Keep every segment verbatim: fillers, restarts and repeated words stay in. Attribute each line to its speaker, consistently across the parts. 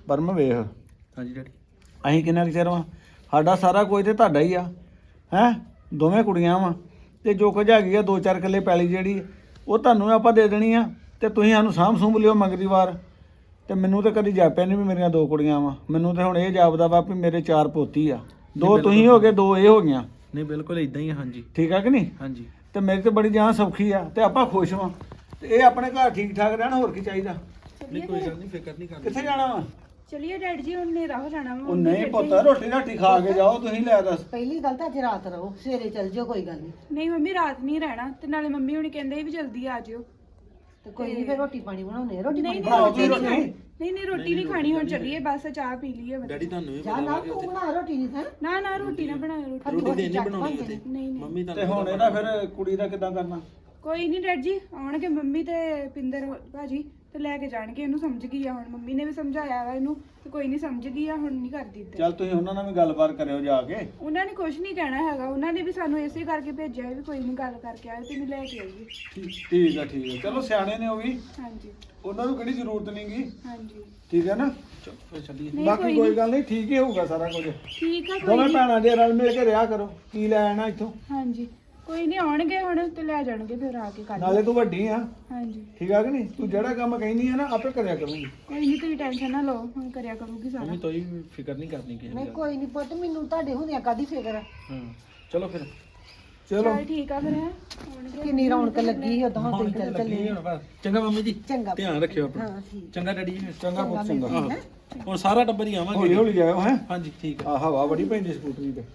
Speaker 1: ਪਰਮ ਵੇਖ
Speaker 2: ਹਾਂਜੀ ਡੈਡੀ
Speaker 1: ਅਸੀਂ ਕਿੰਨਾ ਕੁ ਚਿਰ ਵਾਂ ਸਾਡਾ ਸਾਰਾ ਕੁਝ ਤੇ ਤੁਹਾਡਾ ਹੀ ਆ ਹੈਂ ਦੋਵੇਂ ਕੁੜੀਆਂ ਵਾਂ ਤੇ ਜੋ ਕੁਝ ਹੈਗੀ ਆ ਦੋ ਚਾਰ ਕਿੱਲੇ ਪੈਲੀ ਜਿਹੜੀ ਉਹ ਤੁਹਾਨੂੰ ਆਪਾਂ ਦੇ ਦੇਣੀ ਆ ਤੇ ਤੁਸੀਂ ਸਾਨੂੰ ਸਾਂਭ ਸੂੰਭ ਲਿਓ ਮਗਰੀ ਵਾਰ ਤੇ ਮੈਨੂੰ ਤਾਂ ਕਦੀ ਜਾਪਿਆ ਨਹੀਂ ਵੀ ਮੇਰੀਆਂ ਦੋ ਕੁੜੀਆਂ ਵਾਂ ਮੈਨੂੰ ਤਾਂ ਹੁਣ ਇਹ ਜਾਪਦਾ ਵਾ ਵੀ ਮੇਰੇ ਚਾਰ ਪੋਤੀ ਆ ਦੋ ਤੁਸੀਂ ਹੋ ਗਏ ਦੋ ਇਹ ਹੋ ਗਈਆਂ
Speaker 2: ਨਹੀਂ ਬਿਲਕੁਲ ਇਦਾਂ ਹੀ ਆ ਹਾਂਜੀ
Speaker 1: ਠੀਕ ਆ ਕਿ ਨਹੀਂ
Speaker 2: ਹਾਂਜੀ
Speaker 1: ਤੇ ਮੇਰੀ ਤੇ ਬੜੀ ਜਾਨ ਸੌਖੀ ਆ ਤੇ ਆਪਾਂ ਖੁਸ਼ ਵਾਂ ਤੇ ਇਹ ਆਪਣੇ ਘਰ ਠੀਕ ਠਾਕ ਰਹਿਣ ਹੋਰ ਕੀ ਚਾਹੀਦਾ
Speaker 2: ਨਹੀਂ ਕੋਈ ਗੱਲ ਨਹੀਂ ਫਿਕਰ ਨਹੀਂ ਕਰਨੀ
Speaker 1: ਕਿੱਥੇ ਜਾਣਾ ਵਾ
Speaker 3: ਚਲਿਏ ਡੈਡ ਜੀ ਹੁਣ ਨੇਰਾ ਹੋ ਜਾਣਾ
Speaker 1: ਉਹ ਨਹੀਂ ਪੁੱਤ ਰੋਟੀ ਰਾਟੀ ਖਾ ਕੇ ਜਾਓ ਤੁਸੀਂ ਲੈ ਦੱਸ
Speaker 4: ਪਹਿਲੀ ਗੱਲ ਤਾਂ ਅੱਜ ਰਾਤ ਰਹੋ ਸਵੇਰੇ ਚੱਲ ਜਿਓ ਕੋਈ ਗੱਲ ਨਹੀਂ
Speaker 3: ਨਹੀਂ ਮੰਮੀ ਰਾਤ ਨਹੀਂ ਰਹਿਣਾ ਤੇ ਨਾਲੇ ਮੰਮੀ ਹੁਣੀ ਕਹਿੰਦੇ ਵੀ ਜਲਦੀ ਆ ਜਿਓ
Speaker 4: ਤੇ ਕੋਈ ਨਹੀਂ ਫਿਰ ਰੋਟੀ ਪਾਣੀ ਬਣਾਉਣੇ ਰੋਟੀ
Speaker 3: ਨਹੀਂ
Speaker 4: ਪਾਣੀ
Speaker 3: ਨਹੀਂ
Speaker 1: ਬਣਾਓ
Speaker 3: ਰੋਟੀ
Speaker 1: ਤੁਸੀਂ
Speaker 3: ਨਹੀਂ ਨਹੀਂ ਨਹੀਂ ਰੋਟੀ ਨਹੀਂ ਖਾਣੀ ਹੁਣ ਚੱਲੀਏ ਬਸ ਚਾਹ ਪੀ ਲਈਏ ਬਸ।
Speaker 2: ਡੈਡੀ ਤੁਹਾਨੂੰ ਵੀ
Speaker 4: ਚਾਹ
Speaker 2: ਪਤਾ
Speaker 4: ਨਾ
Speaker 2: ਵਾ ਕਿ
Speaker 4: ਤੂੰ
Speaker 2: ਉੱਥੇ
Speaker 4: ਬਣਾ ਰੋਟੀ ਨਹੀਂ ਹੈ
Speaker 3: ਨਾ ਨਾ ਰੋਟੀ ਨਾ ਬਣਾਇਓ ਰੋਟੀ
Speaker 2: ਰੋਟੀ ਤੇ ਨਹੀਂ ਬਣਾਉਣੀ ਉੱਥੇ
Speaker 3: ਨਹੀਂ ਨਹੀਂ
Speaker 2: ਮੰਮੀ
Speaker 1: ਤੇ
Speaker 2: ਤੁਹਾਨੂੰ
Speaker 1: ਹੁਣ ਇਹਦਾ ਫਿਰ ਕੁੜੀ ਦਾ ਕਿੱਦਾਂ ਕਰਨਾ
Speaker 3: ਕੋਈ ਨਹੀਂ ਡੈਡ ਜੀ ਆਉਣਗੇ ਮੰਮੀ ਤੇ ਪਿੰਦਰ ਭਾਜੀ ਤੇ ਲੈ ਕੇ ਜਾਣਗੇ ਇਹਨੂੰ ਸਮਝ ਗਈ ਆ ਹੁਣ ਮੰਮੀ ਨੇ ਵੀ ਸਮਝਾਇਆ ਵਾ ਇਹਨੂੰ ਤੇ ਕੋਈ ਨਹੀਂ ਸਮਝ ਗਈ ਆ ਹੁਣ ਨਹੀਂ ਕਰਦੀ ਇੱਦਾਂ।
Speaker 1: ਚੱਲ ਤੁਸੀਂ ਉਹਨਾਂ ਨਾਲ ਵੀ ਗੱਲਬਾਤ ਕਰਿਓ ਜਾ ਕੇ
Speaker 3: ਉਹਨਾਂ ਨੇ ਕੁਝ ਨਹੀਂ ਕਹਿਣਾ ਹੈਗਾ ਉਹਨਾਂ ਨੇ ਵੀ ਸਾਨੂੰ ਇਸੇ ਕਰਕੇ ਭੇਜਿਆ ਵੀ ਕੋਈ ਨਹੀਂ ਗੱਲ ਕਰਕੇ ਆਏ ਤੈਨੂੰ ਲੈ ਕੇ ਆਈਏ
Speaker 1: ਠੀਕ ਆ ਠੀਕ ਆ ਚਲੋ ਸਿਆਣੇ ਨੇ ਉਹ ਵੀ
Speaker 3: ਹਾਂਜੀ
Speaker 1: ਉਹਨਾਂ ਨੂੰ ਕਿਹੜੀ ਜ਼ਰੂਰਤ ਨਹੀਂਗੀ
Speaker 3: ਹਾਂਜੀ
Speaker 1: ਠੀਕ ਹੈ ਨਾ
Speaker 2: ਚਲੋ ਫਿਰ ਚੱਲੀਏ
Speaker 3: ਨਹੀਂ,
Speaker 1: ਬਾਕੀ
Speaker 3: ਕੋਈ
Speaker 1: ਕੋਈ
Speaker 3: ਨੀ।
Speaker 1: ਗੱਲ ਨਹੀਂ ਠੀਕ ਹੀ ਹੋਊਗਾ ਸਾਰਾ ਕੁਝ
Speaker 3: ਠੀਕ ਆ ਕੋਈ
Speaker 1: ਦੋਵੇਂ
Speaker 3: ਨੀ।
Speaker 1: ਭੈਣਾਂ ਦੇ ਰਲ ਮਿਲ ਕੇ ਰਿਹਾ ਕਰੋ ਕੀ ਲੈ ਆਣਾ ਇੱਥੋਂ
Speaker 3: ਹਾਂਜੀ ਕੋਈ ਨਹੀਂ ਆਉਣਗੇ ਹੁਣ ਤੇ ਲੈ ਜਾਣਗੇ ਫਿਰ ਆ ਕੇ ਕੱਲ
Speaker 1: ਨਾਲੇ ਤੂੰ ਵੱਡੀ ਆ
Speaker 3: ਹਾਂਜੀ
Speaker 1: ਠੀਕ ਆ ਕਿ ਨਹੀਂ ਤੂੰ ਜਿਹੜਾ ਕੰਮ ਕਹਿੰਦੀ ਆ ਨਾ ਆਪੇ ਕਰਿਆ ਕਰੂੰਗੀ
Speaker 3: ਕੋਈ ਨਹੀਂ ਤੁਸੀਂ ਟੈਨਸ਼ਨ ਨਾ ਲਓ ਹੁਣ ਕਰਿਆ ਕਰੂਗੀ ਸਾਰਾ
Speaker 2: ਮੰਮੀ ਤੋਈ ਫਿਕਰ ਨਹੀਂ ਕਰਨੀ ਕਿਸੇ
Speaker 4: ਨਹੀਂ
Speaker 2: ਦੀ
Speaker 4: ਕੋਈ ਨਹੀਂ ਪੁੱਤ ਮੈਨੂੰ ਤੁਹਾਡੇ ਹੁੰਦਿਆਂ ਕਾਦੀ ਫਿਕਰ ਆ
Speaker 2: ਹਾਂ ਚਲੋ ਫਿਰ
Speaker 1: ਚਲੋ
Speaker 3: ਚਲ ਠੀਕ ਆ ਫਿਰ ਹੈਂ। ਆਉਣਗੇ
Speaker 4: ਕਿੰਨੀ ਰੌਣਕ ਲੱਗੀ ਉਦੋਂ ਹਾਂ ਤੁਸੀਂ ਚੱਲ ਚੱਲੇ
Speaker 2: ਲੱਗੀ ਹੁਣ ਬਸ। ਚੰਗਾ ਮੰਮੀ ਜੀ
Speaker 4: ਚੰਗਾ
Speaker 2: ਧਿਆਨ ਰੱਖਿਓ ਆਪਣਾ
Speaker 4: ਹਾਂ ਠੀਕ
Speaker 2: ਚੰਗਾ ਡੈਡੀ ਜੀ
Speaker 1: ਚੰਗਾ ਪੁੱਤ ਚੰਗਾ
Speaker 2: ਆਹੋ ਹੁਣ ਸਾਰਾ ਟੱਬਰ ਹੀ
Speaker 1: ਹੌਲੀ
Speaker 2: ਆਵਾਂਗੇ
Speaker 1: ਹੌਲੀ ਜਾਇਓ ਹੈ
Speaker 2: ਹਾਂਜੀ ਠੀਕ ਆ
Speaker 1: ਆ ਹਵਾ ਬੜੀ ਪੈਂਦੀ ਸਕੂਟਰੀ ਤੇ